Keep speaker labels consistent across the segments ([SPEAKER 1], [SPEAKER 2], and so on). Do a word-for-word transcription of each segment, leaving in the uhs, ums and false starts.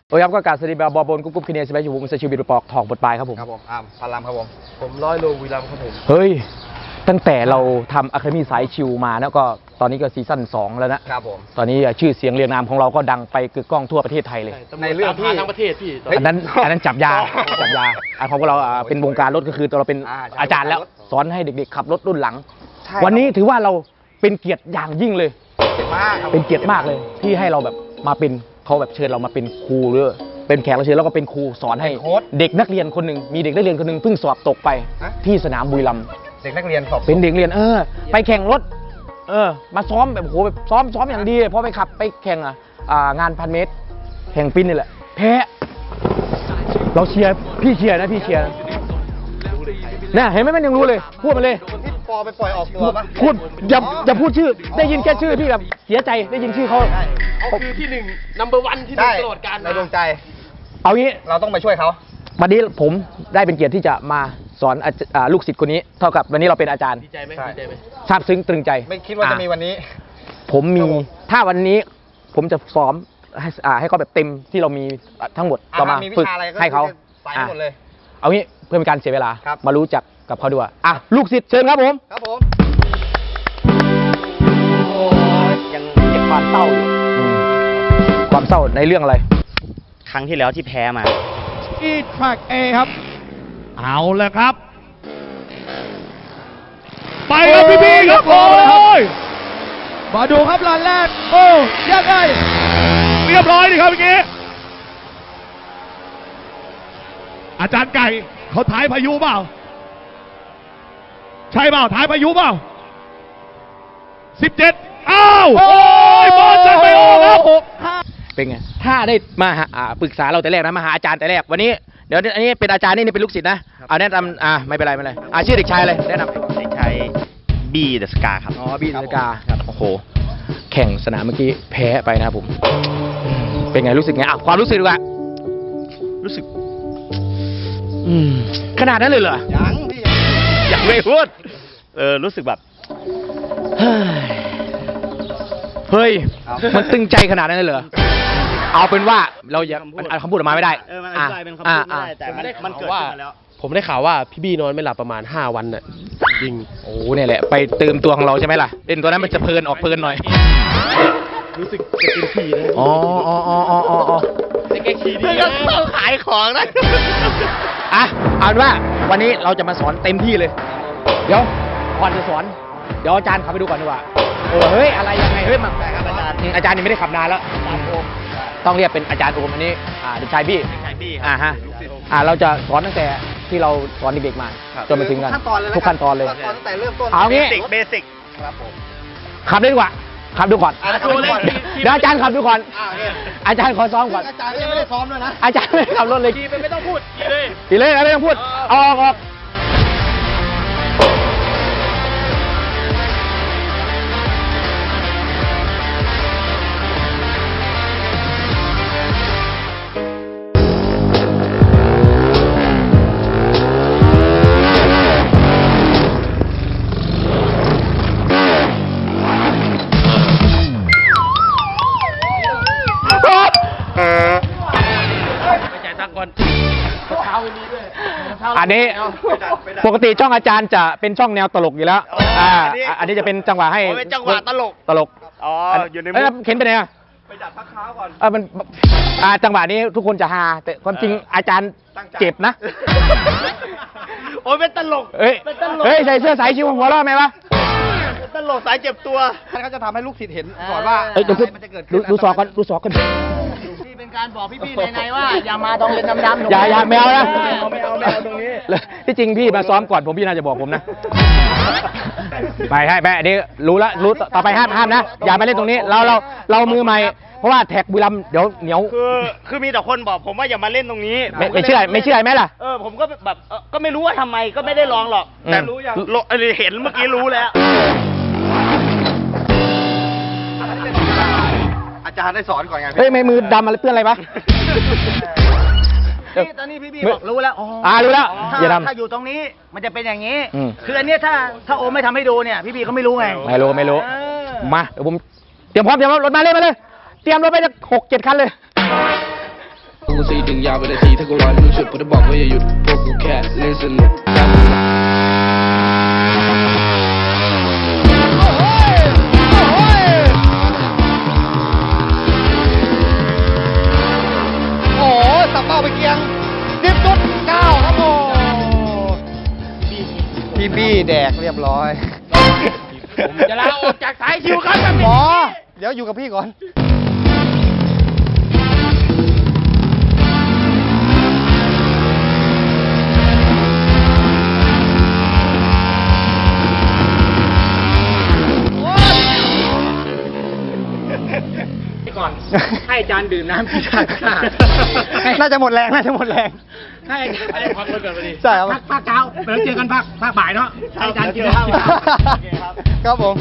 [SPEAKER 1] โอ้ยครับก็การสวัสดีแบบบอลบนกุ๊กกุ๊กคินเนสไปอยู่ผมเซชิบิดปอกทองบทปลายครับผม
[SPEAKER 2] ครับผมอ่าพารามครับผมผมร้อยโลวีรัมครับผม
[SPEAKER 1] เฮ้ยตั้งแต่เราทำอะคาเดมี่สายชิวมาแล้วก็ตอนนี้ก็ซีซั่นสองแล้วนะครับผมตอนนี้ชื่อเสียงเรียงนามของเราก็ดังไปกึกก้องทั่วประเทศไทยเลย
[SPEAKER 2] ในเรื่องที่
[SPEAKER 3] ทั้งประเทศพี่
[SPEAKER 1] อันนั้นอันนั้นจับยาจับยาอันของพวกเราเป็นวงการรถก็คือเราเป็นอาจารย์แล้วสอนให้เด็กๆขับรถรุ่นหลังวันนี้ถือว่าเราเป็นเกียรติอย่างยิ่งเลยเป็นเกียรติมากเลยที่ให้เราแบบมาเป็นเขาแบบเชิญเรามาเป็นครูหรือเป็นแขกรับเชิญแล้วก็เป็นครูสอนให้เด็กนักเรียนคนหนึ่งมีเด็กนักเรียนคนหนึ่งเพิ่งสอบตกไปที่สนามบุรีรัมย์
[SPEAKER 2] เด็กนักเรียนสอบ
[SPEAKER 1] เป็นเด็กเรียนเออไปแข่งรถเออมาซ้อมแบบโหแบบซ้อมซ้อมอย่างดีพอไปขับไปแข่งอ่ะงานพันเมตรแข่งปิ้นนี่แหละแพ้เราเชียร์พี่เชียร์นะพี่เชียร์นะเห็นไหมมันยังรู้เลยพูดมาเลย
[SPEAKER 2] ที่ปอไปปล่อยออกตัวปะ
[SPEAKER 1] พูดอย่าอย่าพูดชื่อได้ยินแค่ชื่อพี่แบบเสียใจได้ยินชื่อเขา
[SPEAKER 3] เขาคือที่หนึ่ง number one ที่หนึ่งตลอดกาล
[SPEAKER 2] ในดวงใจ
[SPEAKER 1] เอางี้
[SPEAKER 2] เราต้องไปช่วยเขา
[SPEAKER 1] วันนี้ผมได้เป็นเกียรติที่จะมาสอนลูกศิษย์คนนี้เท่ากับวันนี้เราเป็นอาจารย์
[SPEAKER 3] ดีใจไหมดีใจไหม
[SPEAKER 1] ซาบซึ้งตรึงใจ
[SPEAKER 2] ไม่คิดว่าจะมีวันนี้
[SPEAKER 1] ผมมีถ้าวันนี้ผมจะซ้อมให้ให้เขาแบบเต็มที่เรามีทั้งหมดเรามาฝึกให้เขา
[SPEAKER 2] หมดเลย
[SPEAKER 1] เอางี้เพื่อเป็นการเสียเวลามารู้จักกับเขาด้วยอ่ะลูกศิษย์เชิญครับผม
[SPEAKER 2] ครับผม
[SPEAKER 1] ยังเก็บความเศร้าอยู่ความเศร้าในเรื่องอะไร
[SPEAKER 4] ครั้งที่แล้วที่แพ้มา
[SPEAKER 5] ที่แทร็ก A ครับเอาเลยครับไปครับพี่พี่ครับโอ้ยมาดูครับลานแรกโอ้ยังไงเรียบร้อยดีครับเมื่อกี้อาจารย์ไก่เขาถ่ายพายุเปล่าใช่เปล่าถ่ายพายุเปล่าสิบเจ็ดอ้าวโอ้ยบอลจะไปออกครับ
[SPEAKER 1] เป็นไงถ้าได้มาปรึกษาเราแต่แรกนะมาหาอาจารย์แต่แรกวันนี้เดี๋ยวอันนี้เป็นอาจารย์นี่เป็นลูกศิษย์นะเอาแนะนำอ่าไม่เป็นไรไม่เป็นไรอ่าชื่อเด็กชายอะไรแนะนำ
[SPEAKER 4] เด็กชายบีเดอะสกาครับ
[SPEAKER 1] อ๋อบีเดอะสกาครับโอ้โหแข่งสนามเมื่อกี้แพ้ไปนะครับผมเป็นไงรู้สึกไงอ่ะความรู้สึกดีกว่า
[SPEAKER 4] รู้สึก
[SPEAKER 1] อืมขนาดนั้นเลยเหรอ
[SPEAKER 2] ยังพี่
[SPEAKER 1] ยังไม่พูด
[SPEAKER 4] เออรู้สึกแบบ
[SPEAKER 1] เฮ้ยมันตึงใจขนาดนั้นเลยเหรอเอาเป็นว่าเราอย่าคำพูดออกมาไม่ได้
[SPEAKER 4] เออมันอธิบายเป็นคำพูดไม่ได้แต่มันเกิดขึ้นมาแล้ว
[SPEAKER 3] ผมได้ข่าวว่าพี่บี้นอนไม่หลับประมาณห้าวันน่ะจริง
[SPEAKER 1] โอ้เนี่ยแหละไปเติมตัวของเราใช่ไหมล่ะเล่นตัวนั้นมันจะเพลินออกเพลินหน่อย
[SPEAKER 3] รู้สึกจะเป็นผีเลย
[SPEAKER 1] อ๋ออ๋ออ๋ออ๋ออ๋อ
[SPEAKER 3] แกขี่ดี
[SPEAKER 4] นะขายของนะ
[SPEAKER 1] อ่ะเอาเป็นว่าวันนี้เราจะมาสอนเต็มที่เลยเดี๋ยวก่อนจะสอนเดี๋ยวอาจารย์ขับไปดูก่อนดีกว่าเออเฮ้ยอะไรยังไงเฮ้ยมันอาจารย์อาจารย์นี่ไม่ได้ขับนานแล้วต้องเรียกเป็นอาจารย์โอมอันนี้อ่าเด็กชายบี้อ่าฮะอ่าเราจะสอนตั้งแต่ที่เราสอนเด็กๆมาจนมาถึงกันทุกขั้นตอนเลย
[SPEAKER 2] ตั้งแต่เริ่มต้น
[SPEAKER 1] เอางี้
[SPEAKER 4] เบสิก
[SPEAKER 2] ครับผม
[SPEAKER 1] ขับได้ดีกว่าขับดูก่อนเดี๋ยวอาจารย์ขับดูก่อนอาจารย์ขอซ้อมก่อน
[SPEAKER 2] อาจารย์ยังไม่ได้ซ้อมด้วยนะ
[SPEAKER 1] อาจารย์ไม่ได้ขับรถเลย
[SPEAKER 3] ขี่ไปไม่ต้องพูดขี่เลย
[SPEAKER 1] ขี่เลยไม่ต้องพูดออกออกอันนี้ปกติช่องอาจารย์จะเป็นช่องแนวตลกอยู่แล้วอ่าอันนี้จะเป็นจังหวะให้
[SPEAKER 4] เป็นจังหวะตลก
[SPEAKER 1] ตลก
[SPEAKER 4] อ๋ออยู่ในมุ
[SPEAKER 1] กเข็นไปไหนอ่ะ
[SPEAKER 2] ไปดัดพักเท้าก่อน
[SPEAKER 1] เออมันอ่าจังหวะนี้ทุกคนจะฮาแต่ความจริงอาจารย์เจ็บนะ
[SPEAKER 4] โอ้ยเป็นตลก
[SPEAKER 1] เฮ้ยเฮ้ยใส่เสื้อสายชิวหัวเราะไหมวะ
[SPEAKER 4] ตลกสายเจ็บตัว
[SPEAKER 2] ท่านก็จะทำให้ลูกศิษย์เห็นก่อนว่า
[SPEAKER 1] อะไรมันจะเกิดขึ้นดูสอกกันดูสอกกัน
[SPEAKER 4] เป็นการบอกพี่ๆในๆว่าอย่ามาตรงเลนดำๆ
[SPEAKER 1] อย่าอย่าไม่เอานะ
[SPEAKER 4] ไม่เอาไม่เอาไม่เอาตรงนี้
[SPEAKER 1] ที่จริงพี่มาซ้อมก่อนผมพี่น่าจะบอกผมนะไปให้แม่อันนี้รู้แล้วรู้ต่อไปห้ามห้ามนะอย่ามาเล่นตรงนี้เราเราเรามือใหม่เพราะว่าแท็กบุรีรัมย์เดี๋ยวเหนียว
[SPEAKER 4] คือคือมีแต่คนบอกผมว่าอย่ามาเล่นตรงนี้
[SPEAKER 1] ไม่ไม่เชื่อไม่เชื่อไหมล่ะ
[SPEAKER 4] เออผมก็แบบก็ไม่รู้ว่าทำไมก็ไม่ได้ลองหรอกแต่รู้อย่างเห็นเมื่อกี้รู้แล้ว
[SPEAKER 2] อาจารย์ได้สอนก่อนไง
[SPEAKER 1] เฮ้ยไม่มือดำอะไรเปื้อนอะไรปะ
[SPEAKER 4] นี่ตอนนี้พี่พี่บอกรู้แล้ว
[SPEAKER 1] อ่ารู้แล้ว
[SPEAKER 4] อย่าทำถ้าอยู่ตรงนี้มันจะเป็นอย่างนี้คืออันนี้ถ้าถ้าโอไม่ทำให้ดูเนี่ยพี่พี่เขาไม่รู้ไง
[SPEAKER 1] ไม่รู้ไม่รู้มาเดี๋ยวผมเตรียมพร้อมเตรียมรถมาเลยมาเลยเตรียมรถไปจะหกเจ็ดคันเลย
[SPEAKER 6] กูซีดึงยาวไปนาทีถ้ากูรอให้มึงฉุดพวกจะบอกว่าอย่าหยุดพวกกูแค่เล่นสนุกแค่มึง
[SPEAKER 2] โอ้โหสับเป้าไปเกียงสิบจุดเก้าครับโมพี่บี้แดกเรียบร้อย
[SPEAKER 1] ผมจะลาออกจากสายชิวครับ
[SPEAKER 2] หมอ เดี๋ยวอยู่กับพี่ก่อน
[SPEAKER 1] ก่อนให้อาจารย์ดื่มน้ำพี่ชาค่ะ
[SPEAKER 2] น่าจะหมดแรง น่าจะหมดแรง
[SPEAKER 1] ให้อาจารย์ให้พักก่อนไปดิ
[SPEAKER 2] ใช่ครับ
[SPEAKER 1] พักภาคเช้าเดี๋ยวเจอกันภาคภาคบ่ายเนาะให้อาจารย์กินข้าว
[SPEAKER 2] ครับผม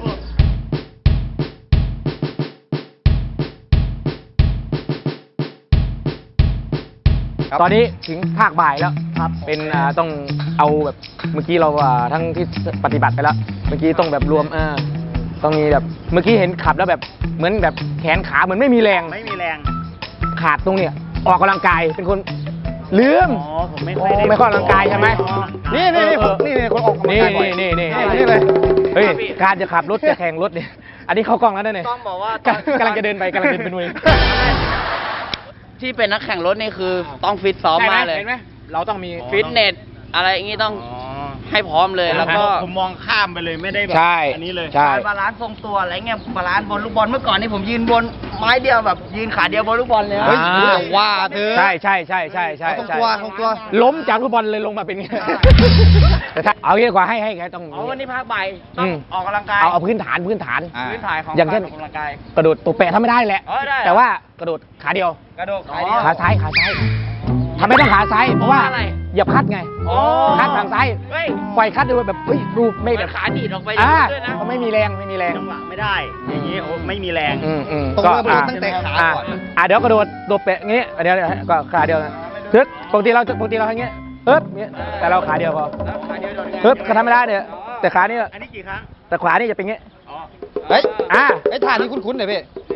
[SPEAKER 1] ตอนนี้ถึงภาคบ่ายแล้วครับเป็นอ่าต้องเอาแบบเมื่อกี้เราอ่าทั้งที่ปฏิบัติไปแล้ว เมื่อกี้ต้องแบบรวมเออต้องมีแบบเมื่อกี้เห็นขับแล้วแบบเหมือนแบบแขนขาเหมือนไม่มีแรง
[SPEAKER 4] ไม่มีแรง
[SPEAKER 1] ขาดตรงเนี้ยออกกำลังกายเป็นคนลืม
[SPEAKER 4] อ๋อผมไม่
[SPEAKER 1] โอ้
[SPEAKER 4] ค่อยได้
[SPEAKER 1] ไม่ค่อยออกกำลังกายใช่ไหม
[SPEAKER 2] นี่นี่นี่ผมนี่นี่คนออกกำลัง
[SPEAKER 1] นี่
[SPEAKER 2] กายบ่อย
[SPEAKER 1] นี่นี่
[SPEAKER 2] นี่เลย
[SPEAKER 1] เฮ้ยการจะขับรถจะแข่งรถเนี่ยอันนี้เข้ากล้องแล้วเนี่ย
[SPEAKER 4] ต้องบอกว่า
[SPEAKER 1] กำกำลังจะเดินไปกำลังเดินไปนุ้ย
[SPEAKER 7] ที่เป็นนักแข่งรถนี่คือต้องฟิตซ้อมมากเลย
[SPEAKER 1] เห็นไหมเราต้องมี
[SPEAKER 7] ฟิตเนสอะไรอย่างนี้ต้องให้พร้อมเลยแล้วก็
[SPEAKER 4] ผมมองข้ามไปเลยไม่ได้แบบ
[SPEAKER 1] ใช่
[SPEAKER 4] อันนี้เลย
[SPEAKER 1] ใช่
[SPEAKER 7] การบาลานซ์ทรงตัวอะไรเงี้ยบาลานซ์บนลูกบอลเมื่อก่อนนี่ผมยืนบนไม้เดียวแบบยืนขาเดียวบนลูกบอลเลยนะ
[SPEAKER 2] เฮ้ย
[SPEAKER 1] อ่า
[SPEAKER 2] อย่าว่าเธอ
[SPEAKER 1] ใช่ใช่ใช่ใช่ใช่
[SPEAKER 2] เอาตรง
[SPEAKER 1] ใช่
[SPEAKER 2] ตัวตรงตัว
[SPEAKER 1] ล้มจากฟุตบอลเลยลงมาเป็นไงแต่ถ้าเอางี้ดีกว่าให้ให้แกต้อง
[SPEAKER 7] อ๋อวันนี้ภาคบ่ายต้อง
[SPEAKER 1] อืม
[SPEAKER 7] ออกกำลังกาย
[SPEAKER 1] เอาเอาพื้นฐานพื้นฐาน
[SPEAKER 2] อ่า
[SPEAKER 7] พื้นฐานของ
[SPEAKER 1] อย่างเช่น
[SPEAKER 7] กรออกกำลังกาย
[SPEAKER 1] กระโดดตัวแปะทำไม่ได้แหละ
[SPEAKER 7] เออได้
[SPEAKER 1] แต่ว่ากระโดดขาเดียว
[SPEAKER 7] กระโดดขาเดียว
[SPEAKER 1] ขาซ้ายขาซ้ายทำไมต้องขาซ้ายเพราะว่า
[SPEAKER 7] อะไร
[SPEAKER 1] อย่าพัดไง
[SPEAKER 7] อ๋อ
[SPEAKER 1] คัดทางซ้าย
[SPEAKER 7] เฮ้ย
[SPEAKER 1] ปล่อยคัดดูแบบเฮ้ยดูไม่
[SPEAKER 7] เหมื
[SPEAKER 1] แบ
[SPEAKER 7] อน
[SPEAKER 1] บ
[SPEAKER 7] ขาดีดออกไป
[SPEAKER 1] อ่า
[SPEAKER 7] ด้วยนะ
[SPEAKER 1] เขาไม่มีแรงไม่มีแรง
[SPEAKER 4] จังหวะไม่ได้ อย่างนี้โอ้ไม่มีแรง
[SPEAKER 1] อืมอืม
[SPEAKER 2] ต้อง
[SPEAKER 1] ก็
[SPEAKER 2] เริ่ม
[SPEAKER 1] อ่า
[SPEAKER 2] ตั้งแต่ขา
[SPEAKER 1] อ่า
[SPEAKER 2] ก่อน
[SPEAKER 1] อ่าเดี๋ยวกระโดดโดดแปะงี้เดี๋ยวเดี๋ยวก็ขาเดียวนะฮึบปกติเราปกติเราอย่างเงี้ยฮึบเงี้ยแต่เราขาเดียวพอ
[SPEAKER 7] แล้วขาเดียวโดดไง
[SPEAKER 1] ฮึบก็ทำไม่ได้เนี่ยแต่ขานี่
[SPEAKER 4] อันนี้กี่ครั้ง
[SPEAKER 1] แต่ขวานี่จะเป็นเงี้ย
[SPEAKER 2] เฮ้ย
[SPEAKER 1] อ่า
[SPEAKER 2] ไอ้ท่านี้คุ้นๆหน่อยพี่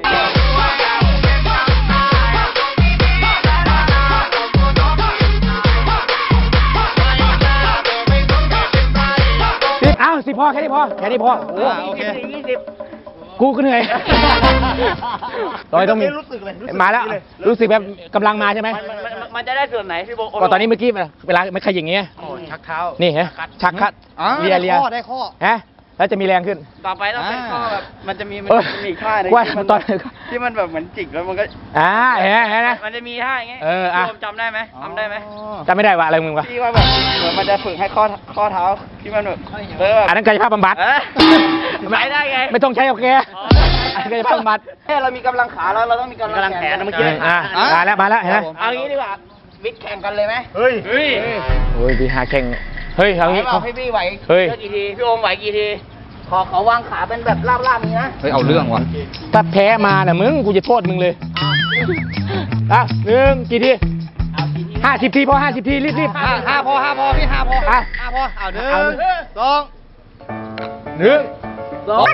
[SPEAKER 1] อ้าวสิพอแค่นี้พอแค่นี้พอโอ้
[SPEAKER 2] อ่าโอเค
[SPEAKER 7] ยี่สิบ
[SPEAKER 1] กูก็เหนื่อยตอนนี้ต้องมี
[SPEAKER 4] รู้สึกเลยรู้สึก
[SPEAKER 1] มาแล้ว
[SPEAKER 4] เลย
[SPEAKER 1] รู้สึกแบบกำลังมาใช่ไหม
[SPEAKER 7] มันมันมันมันจะได้ส่วนไหนพี่โบ
[SPEAKER 1] ก็ตอนนี้เมื่อกี้เวลาไม่ขยิงเงี้ย
[SPEAKER 7] โอ้ชักเท้า
[SPEAKER 1] นี่ฮะชักคัด
[SPEAKER 2] อ่า
[SPEAKER 1] เลีย
[SPEAKER 2] ได้
[SPEAKER 1] เลีย
[SPEAKER 2] ข้อได้ข้อ
[SPEAKER 1] ฮะแล้วจะมีแรงขึ้น
[SPEAKER 7] ต่อไปต้องเป็นข้อแบบมันจะมีมัน
[SPEAKER 1] เอ้ย
[SPEAKER 7] จะมีอีกท่าหนึง
[SPEAKER 1] ว่า
[SPEAKER 7] ที่มัน
[SPEAKER 1] ตอน
[SPEAKER 7] ที่มันแบบเหมือนจิกแล้วมันก็
[SPEAKER 1] อ่าเห็นไหมเห็นไหม
[SPEAKER 7] มันจะมีท่าอย่างเงี้ย
[SPEAKER 1] เอออ่ะ
[SPEAKER 7] พี่โมจำได้ไหมจำได้ไหม
[SPEAKER 1] จำไม่ได้ว่าอะไรมึงวะ
[SPEAKER 7] ที่ว่าแบบเหมือนมันจะฝึกให้ข้อข้อเท้าที่มันแบบเออแบบ
[SPEAKER 1] อันนั้นกายภาพบำบัด
[SPEAKER 7] เออไปได้ไง
[SPEAKER 1] ไม่ต้องใช้โอเค
[SPEAKER 7] อ๋อ
[SPEAKER 1] อันนั้นกายภาพบำบัด
[SPEAKER 7] เอ้ยเรามีกำลังขาแล้วเราต้องมีกำลังแขน
[SPEAKER 4] เมื่อกี้
[SPEAKER 1] อ่ามาแล้วมาแล้วเห็นไหม
[SPEAKER 7] เอางี้ดีกว่าวิทย์แข่งกันเลยไหม
[SPEAKER 4] เฮ้ย
[SPEAKER 7] เฮ้ย
[SPEAKER 1] โอ้ยพี่หาแข่งเฮ้ยเอางี้
[SPEAKER 7] ไหวเปล่าพี่พี่ไหว
[SPEAKER 1] เฮ้ย
[SPEAKER 7] เลือกกี่ทีพี่โอมไหวกี่ทีขอขอวางขาเป็นแบบลาบๆนี้นะ
[SPEAKER 2] เฮ้ย เอาเรื่องว่ะ
[SPEAKER 1] ถ้าแพ้มาน่ะมึงกูจะโทษมึงเลยอ่ะหนึ่งกี่ทีห้าสิบทีพอห้าสิบทีรีบรีบ
[SPEAKER 2] ห้าห้าพอห้าพอพี่ห้าพอ
[SPEAKER 1] อ่ะ
[SPEAKER 2] ห้าพอเอาหนึ่ง
[SPEAKER 1] เอาหนึ่ง
[SPEAKER 2] สอง
[SPEAKER 1] หนึ่งสอง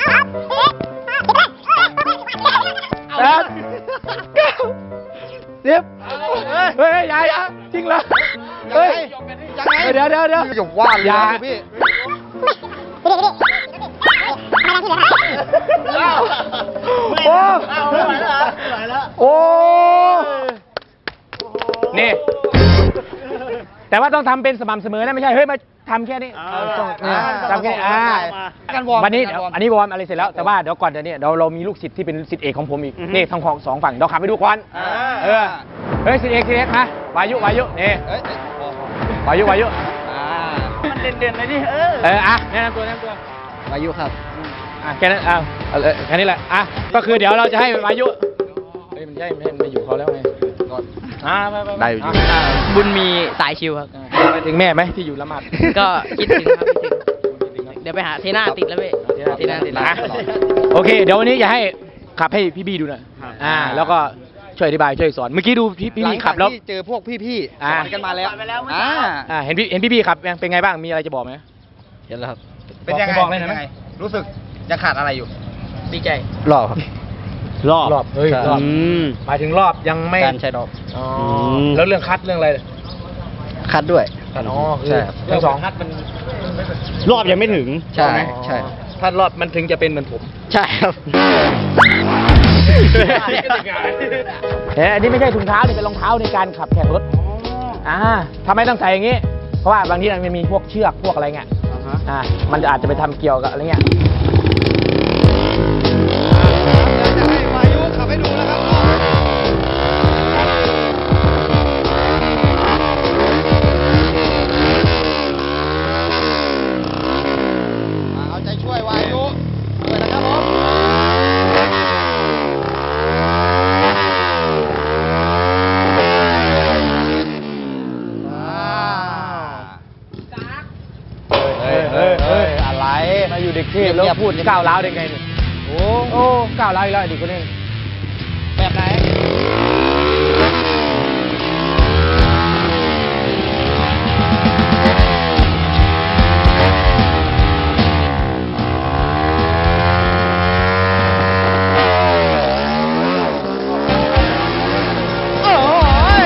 [SPEAKER 1] สามเก้าสิบเฮ้ยยายจริงเหรอเฮ้ย
[SPEAKER 2] ยังไง
[SPEAKER 1] เดี๋ยวเดี๋ยวเดี๋ยว
[SPEAKER 2] อย่าว่าเลย
[SPEAKER 1] อย่า
[SPEAKER 2] นะพี่
[SPEAKER 1] โอ้
[SPEAKER 7] เอาไม่ไหวแล้วเหรอไม่ไหวแล้ว
[SPEAKER 1] โอ้นี่ แต่ว่าต้องทำเป็นสม่ำเสมอนะไม่ใช่ เฮ้ย มาทำแค่นี้
[SPEAKER 4] อ่า
[SPEAKER 1] เออต้องเนี่ยทำแค่นี้อ่า
[SPEAKER 2] การวอร์ม
[SPEAKER 1] วันนี้
[SPEAKER 2] การวอร์ม
[SPEAKER 1] อันนี้วอร์มอะไรเสร็จแล้ว แต่ว่าเดี๋ยวก่อนเดี๋ยวนี้เดี๋ยวเรามีลูกศิษย์ที่เป็นศิษย์เอกของผมอีก นี่ทั้งของสองฝั่งเดี๋ยวขับไปดูก่อน
[SPEAKER 7] อ่า
[SPEAKER 1] เออ เฮ้ยศิษย์เอกศิษย์เอกมาวายุวายุนี่
[SPEAKER 2] เอ้ยเอ้ยพอพอ
[SPEAKER 1] วายุวายุ
[SPEAKER 2] อ่า
[SPEAKER 7] มันเด่นๆเลยดิเออ
[SPEAKER 1] เออ อ่ะแนะนำตัวแนะนำตัว
[SPEAKER 2] วายุครับ
[SPEAKER 1] อ่ะแค่นั้นอ่ะเอาเออแค่นี้แหละ อ่ะ ก็คือเดี๋ยวเราจะให้วายุ เฮ้ยมันใช่ไม่ไม่อยู่เขาแล้วไงอ่าไปไป
[SPEAKER 2] ได้อยู่
[SPEAKER 1] อ่ะ
[SPEAKER 7] บุญมีสายชิวครับ
[SPEAKER 1] ไปถึงแม่ไหมที่อยู่ละหมาด
[SPEAKER 7] ก็คิดถึงครับคิดถึงเดี๋ยวไปหาเทน่าติดแล้วพี่เทน่าติดแล้ว
[SPEAKER 1] อ่ะโอเค เดี๋ยววันนี้อย่าให้ขับให้พี่บี้ดูหน่อยอ่า แล้วก็ช่วยอธิบายช่วยสอน เมื่อกี้ดูพี่พี่
[SPEAKER 2] หลั
[SPEAKER 1] บี้
[SPEAKER 2] ง
[SPEAKER 1] ขั
[SPEAKER 2] จา
[SPEAKER 1] บ
[SPEAKER 2] ก
[SPEAKER 1] แล้ว
[SPEAKER 2] ที่เจอพวกพี่ๆ
[SPEAKER 1] อ่า
[SPEAKER 2] สอนกันมาแล้ว
[SPEAKER 7] สอนไปแล้วเมื่อ
[SPEAKER 2] อ่า
[SPEAKER 7] เช้า
[SPEAKER 1] อ่าเห็นพี่เห็นพี่บี้ขับยังเป็นไงบ้างมีอะไรจะบอกไหม
[SPEAKER 2] เห็นแล้วครับ
[SPEAKER 1] เป็นยังไงบอกเลยนะ
[SPEAKER 2] รู้สึกจะขาดอะไรอยู่
[SPEAKER 7] ดีใจ
[SPEAKER 2] หล่อครับ
[SPEAKER 4] รอบ
[SPEAKER 1] รอบเฮ้ยรอบ
[SPEAKER 4] อืม
[SPEAKER 1] หมายถึงรอบยังไม่
[SPEAKER 7] การใช้รอบ
[SPEAKER 1] อ๋อ
[SPEAKER 4] ม
[SPEAKER 1] แล้วเรื่องคัดเรื่องอะไร
[SPEAKER 7] คัดด้วย
[SPEAKER 1] คัดอ๋อคือ
[SPEAKER 7] ใช่ครับ
[SPEAKER 1] เรื่องสองคัดมัน
[SPEAKER 4] รอบยังไม่ถึง
[SPEAKER 7] ใช่ใช่
[SPEAKER 1] ถ้ารอบมันถึงจะเป็นเหมือนผม
[SPEAKER 7] ใช่ครับ
[SPEAKER 1] เอ๊ะอันนี้ไม่ใช่ถุงเท้านี่เป็นรองเท้าในการขับแข่งรถอ่าทำไมต้องใส่อย่างนี้ เพราะว่าบางทีมันมีพวกเชือกพวกอะไรเงี้ยอ่ามันอาจจะไปทำเกี่ยวกับอะไรเงี้ย
[SPEAKER 2] จะให้วายุขับให้ดูนะครับเอาใจช่วยวายุด้วยนะครับผม
[SPEAKER 1] เฮ้ยเฮ้ยเฮ้ยอะไร มาอยู่เด็กเทพแล้วพูดก้าวร้าวได้ไงเนี่ยโอ้โอ้ก้าวร้าวอีกแล้วไอ้เด็กคนนี้
[SPEAKER 2] แบบไหน โอ้ย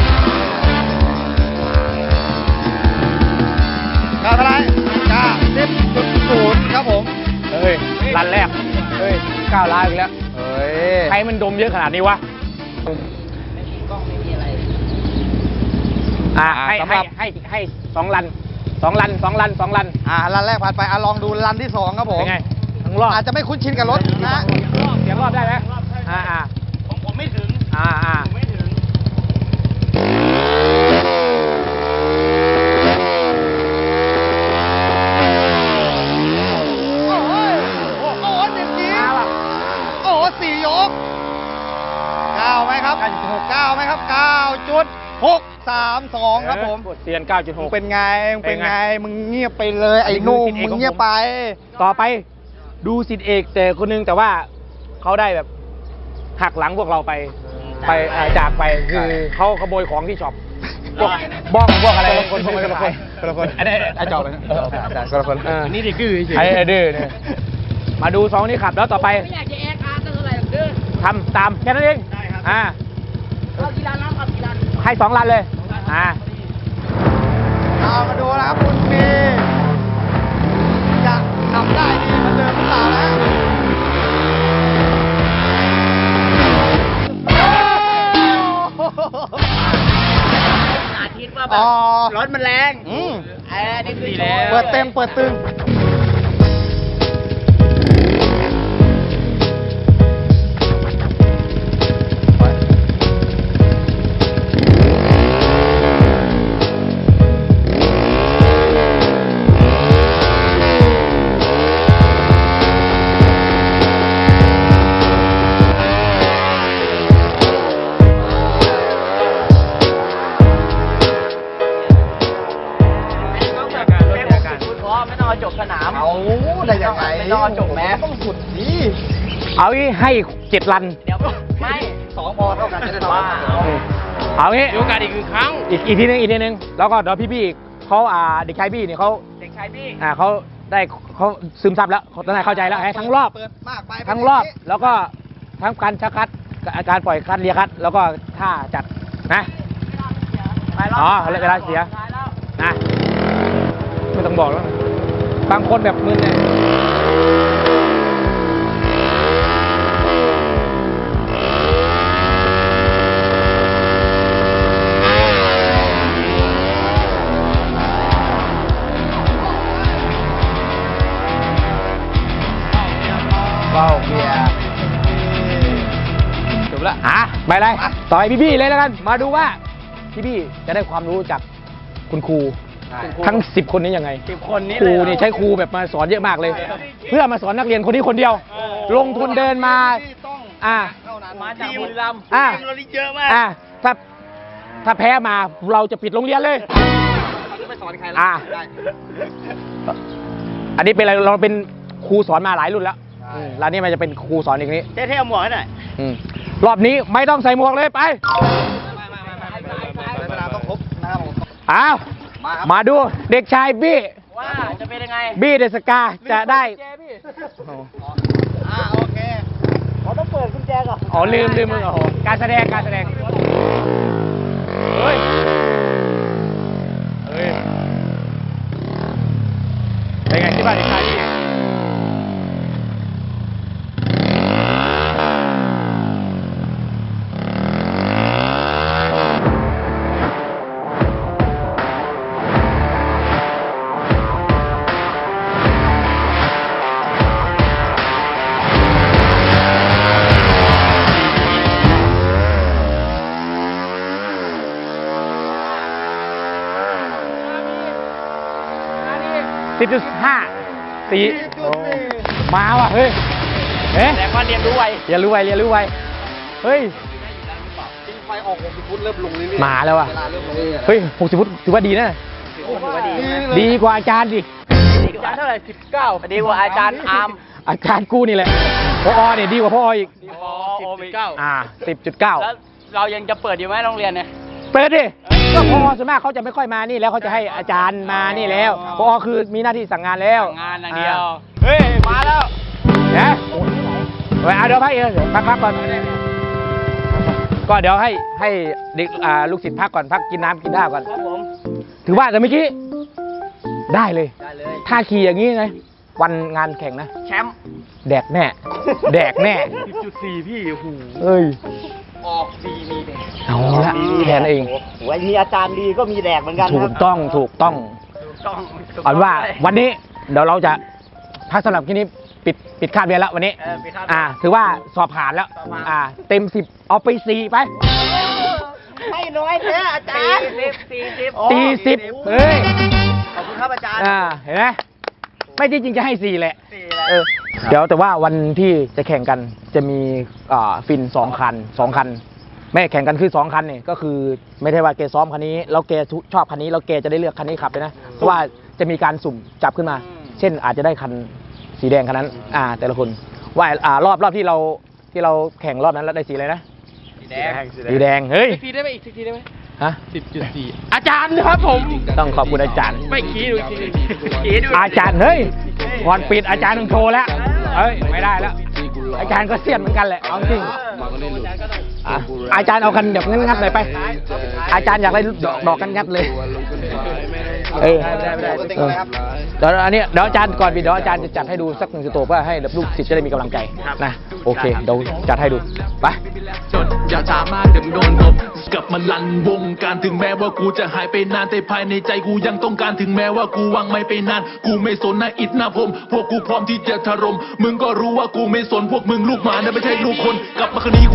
[SPEAKER 2] กาเท่าไหรกาสิบจุดศูนย์ครับผม
[SPEAKER 1] เฮ้ยรันแรก เฮ้ยก้าวร้าวอีกแล้ว
[SPEAKER 2] เฮ้ย
[SPEAKER 1] ใครมันดมเยอะขนาดนี้วะอ่าให้
[SPEAKER 2] สำห
[SPEAKER 1] ให้
[SPEAKER 2] รับ
[SPEAKER 1] ให้ให้สองลันสองลันสองลันสองลัน
[SPEAKER 2] อ่ารันแรกผ่านไปอ่ะลองดูรันที่สองครับผม
[SPEAKER 1] เป็นไงทั้งรอบ
[SPEAKER 2] อาจจะไม่คุ้นชินกับรถนะ
[SPEAKER 1] เสียงรอบได้ไหมอ่าอ่า
[SPEAKER 4] ผมผมไม่ถึง
[SPEAKER 1] อ่าอ่า
[SPEAKER 4] ผมไม่ถึง
[SPEAKER 2] โอ้ยโอ้โหสิบจี
[SPEAKER 1] มาว่ะ
[SPEAKER 2] โอ้โหสี่ยกเก้าไหมครับเก้าไหมครับเก้าจุดหกสามสองครับผม
[SPEAKER 1] เออเตียนเก้าจุดห
[SPEAKER 2] มึง
[SPEAKER 1] ก
[SPEAKER 2] เป็นไงมึงเป็นไง
[SPEAKER 1] เป็นไง
[SPEAKER 2] มึงเงียบไปเลยไอ้หนุ่ม
[SPEAKER 1] อันนี้คือสิทธิ์เอกของผม
[SPEAKER 2] มึงเงียบไป
[SPEAKER 1] ต่อไปดูสิทธิเอกแต่คนนึงแต่ว่าเขาได้แบบหักหลังพวกเราไปไปเอ่อจากไปคือเขาขโมยของที่ช็อปพวกบ้องพวกอะไร
[SPEAKER 2] คนละคนคนละคนคนละคน
[SPEAKER 1] อันนี้ไอ้จอบเลย
[SPEAKER 2] คนละคน
[SPEAKER 1] เออ
[SPEAKER 3] นี่ดิกือเฉย
[SPEAKER 1] ไอ้ไอ้ดื้อเนี่ยมาดูสองนี้ขับแล้วต่อไปไม่อยากจะแอคอาร์ตเท่าไหร่หรอกดื้อทำตามแค่นั้นเองอ่าเอากี่ลันน้ำเอากี่ลันให้สองลันเลยอ่า
[SPEAKER 2] เอามาดูนะครับคุณมีจะทำได้ดีเหมือนเดิมหรือเปล่านะ
[SPEAKER 7] อาทิตย์ว่าแบ
[SPEAKER 2] อ๋
[SPEAKER 7] บ
[SPEAKER 2] อ
[SPEAKER 7] รถมันแรง
[SPEAKER 2] อืม
[SPEAKER 7] เอ้นี่คือโชว์
[SPEAKER 2] เปิดเต็มเปิดตึง
[SPEAKER 7] ต้องแบบเป็นหกสิบฟุตพอไม่ต้องเอาจบสนาม
[SPEAKER 2] เอาได้ยังไง
[SPEAKER 7] ไม่ต้องเอาจบแม้
[SPEAKER 2] ต้องสุดดี
[SPEAKER 1] เอางี้ให้เจ็ดลัน
[SPEAKER 7] เดี๋ยวไม่
[SPEAKER 2] สองพอเท่ากันจะได้ทำ
[SPEAKER 7] ว่า
[SPEAKER 1] เอางี้
[SPEAKER 3] มีโอกาสอีกหนึ่งครั้ง
[SPEAKER 1] อีกอีกทีนึงอีกทีนึงแล้วก็เดี๋ยวพี่ๆเขาอ่าเด็กชายบี้เนี่ยเขา
[SPEAKER 7] เด็กชายพี่
[SPEAKER 1] อ่าเขาได้เขาซึมซับแล้วเขาตอนนั้นเข้าใจแล้วให้ทั้งรอบ
[SPEAKER 2] เปิดมากไป
[SPEAKER 1] ทั้งรอบแล้วก็ทั้งการชักคัดกับการปล่อยคัดเลียคัด แล้วก็ท่าจัดนะ
[SPEAKER 7] ไปรอบ
[SPEAKER 1] อ๋อเวลาเสีย
[SPEAKER 7] ท้ายแล้ว
[SPEAKER 1] นะไม่ต้องบอกแล้วบางคนแบบมึนเนี่ยว้าวเบียร์จบละอ่ะไปเลยต่อไปพี่ๆเลยแล้วกัน มาดูว่าพี่ๆจะได้ความรู้จากคุณครู ทั้งสิบคนนี้ยังไง
[SPEAKER 7] สิบคนนี้
[SPEAKER 1] ครู
[SPEAKER 7] เลย
[SPEAKER 1] เนี่ยใช้ครูแบบมาสอนเยอะมากเลย เพื่อมาสอนนักเรียนคนนี้คนเดียว ลงทุนเดินมา อ่า
[SPEAKER 7] มาจากบุรีรัมย์
[SPEAKER 1] อ่า
[SPEAKER 4] ทีมเรานี่เยอะมาก
[SPEAKER 1] อ่าถ้าถ้าแพ้มาเราจะปิดโรงเรียนเลย
[SPEAKER 7] ไม่สอนใคร
[SPEAKER 1] อ่า อันนี้เป็นอะไรเราเป็นครูสอนมาหลายรุ่นแล้วอืมแล้วนี่มันจะเป็นครูสอนอีกนี้
[SPEAKER 4] เท่ๆเอาหมวกให้หน่อย
[SPEAKER 1] อืมรอบนี้ไม่ต้องใส่หมวกเลยไป
[SPEAKER 2] ในสนามต้องครบนะครับผม
[SPEAKER 1] อ้าว
[SPEAKER 2] มาครับ
[SPEAKER 1] มาดูเด็กชายบี้
[SPEAKER 7] ว่าจะเป็นยังไง
[SPEAKER 1] บี้เดอะสกาจะได้
[SPEAKER 2] อ่าโอเค
[SPEAKER 1] พร้อม
[SPEAKER 7] ต้องเปิดกุญแจก่อน
[SPEAKER 1] อ๋อลืมลืมมึงโอ้โหการแสดงการแสดงเฮ้ยเฮ้ยเป็นไงที่บ้านที่ใครสิบจุดห้าสี่มาว่ะเฮ้ยเอ๊ะ
[SPEAKER 4] แต่ว่าเรียนรู้ไว
[SPEAKER 1] เรียนรู้ไวเรียนรู้ไวเฮ้ยมาแล้วว่ะเฮ้ยหกสิบฟุตถือว่าดีนะดีกว่าอาจารย์ดิ
[SPEAKER 4] อาจารย์เท่าไหร่สิบเก้าดีกว่าอาจารย์อาร์ม
[SPEAKER 1] อาจารย์กูนี่แหละพอเนี่ยดีกว่าพ่ออีก
[SPEAKER 4] อ๋อโอเก้า
[SPEAKER 1] อ่าสิบจุดเก้า
[SPEAKER 4] แล้วเรายังจะเปิดอยู่ไหมโรงเรียนเนี่ย
[SPEAKER 1] เปิดดิก็พอส่วนมากเขาจะไม่ค่อยมานี่แล้วเขาจะให้อาจารย์มานี่แล้วพอคือมีหน้าที่สั่งงานแล้ว
[SPEAKER 4] งานอย่างเดียว เฮ้ย มาแล้ว
[SPEAKER 1] นะเฮ้ยเอาเดี๋ยวพักเองเดี๋ยวพักพักก่อนก็เดี๋ยวให้ให้เด็กอ่าลูกศิษย์พักก่อนพักกินน้ำกินข้าวก่อน
[SPEAKER 7] ครับผม
[SPEAKER 1] ถือว่าแต่เมื่อกี้ได้เลย
[SPEAKER 7] ได้เลย
[SPEAKER 1] ถ้าขี่อย่างนี้ไงวันงานแข่งนะ
[SPEAKER 7] แชมป์
[SPEAKER 1] แดกแน่ แดกแน่
[SPEAKER 4] สิบจุดสี่พี่โอ้โห
[SPEAKER 1] เอ้ย
[SPEAKER 7] ออกดีมีแดก
[SPEAKER 1] เอาละแทนเอง
[SPEAKER 7] โอ้ยมีอาจารย์ดีก็มีแดกเหมือนกันค
[SPEAKER 1] ถู
[SPEAKER 7] รับ
[SPEAKER 1] กต้องถูกต้อง
[SPEAKER 7] ต้อง
[SPEAKER 1] เอาเป็นว่าวันนี้เดี๋ยวเราจะพักสำหรับที่นี้ปิดปิดคาบเรียนแล้ววันนี้
[SPEAKER 7] เออไปครับ
[SPEAKER 1] อ่า ถือว่าสอบผ่านแล้ว
[SPEAKER 7] สอบผ่าน
[SPEAKER 1] อ่า เต็มสิบเอาไปสี่ไป
[SPEAKER 7] ไม่น้อยแท้อาจารย์สี่สิบสี่สิบ
[SPEAKER 1] สี่สิบเฮ้ย
[SPEAKER 7] ขอบคุณครับอาจารย์
[SPEAKER 1] อ่า เห็นไหมไม่จริงๆจะให้สี่แหละ
[SPEAKER 7] สี่แหละ
[SPEAKER 1] เออ เดี๋ยวแต่ว่าวันที่จะแข่งกันจะมีอ่าฟินสองคันสองคัน ไม่แข่งกันคือสองคันเนี่ยก็คือไม่ใช่ว่าแกซ้อมคันนี้แล้วแกชอบคันนี้แล้วแกจะได้เลือกคันนี้ขับเลยนะเพราะว่าจะมีการสุ่มจับขึ้นมา เช่นอาจจะได้คันสีแดงคันนั้น อ่า แต่ละคนว่าอ่ารอบรอบที่เราที่เราแข่งรอบนั้นแล้วได้สีอะไรนะ
[SPEAKER 7] สีแดง
[SPEAKER 1] สีแดงเฮ้ย
[SPEAKER 3] อีกทีได้ไหมอีกทีได้ไหม
[SPEAKER 1] ฮะ
[SPEAKER 3] สิบจุดสี่อาจารย์ครับผม
[SPEAKER 1] ต้องขอบคุณอาจารย์
[SPEAKER 3] ไม่ขี้ดูอีกทีหนึ่งขี้ดู
[SPEAKER 1] อาจารย์เฮ้ยก่อนปิดอาจารย์ต้องโชว์แล้วเฮ้ยไม่ได้แล้ว อาจารย์ก็เสี้ยนเหมือนกันแหละเอาจริงอ่ะอาจารย์เอากันแบบงัดๆหน่อยไป อาจารย์อยากได้ดอกดอกกันงัดเลยเออเออเดี๋ยวอันนี้เดี๋ยวอาจารย์ก่อนปิดเดี๋ยวอาจารย์จะจัดให้ดูสักหนึ่งสโตเพื่อให้ลูกศิษย์จะได้มีกำลังใจนะโอเคเดี๋ยวจัดให้ดูไป
[SPEAKER 8] จนอย่าช้ามากเดี๋ยวมึงโดนตบกลับมาลันวงการถึงแม้ว่ากูจะหายไปนานแต่ภายในใจกูยังต้องการถึงแม้ว่ากูวางไม่ไปนานกูไม่สนนะอิดนะผมพวกกูพร้อมที่จะถล่มมึงก็รู้ว่ากูไม่สนพวกมึงลูกหมานะไม่ใช่ลูกคนกลับมาคืนนี้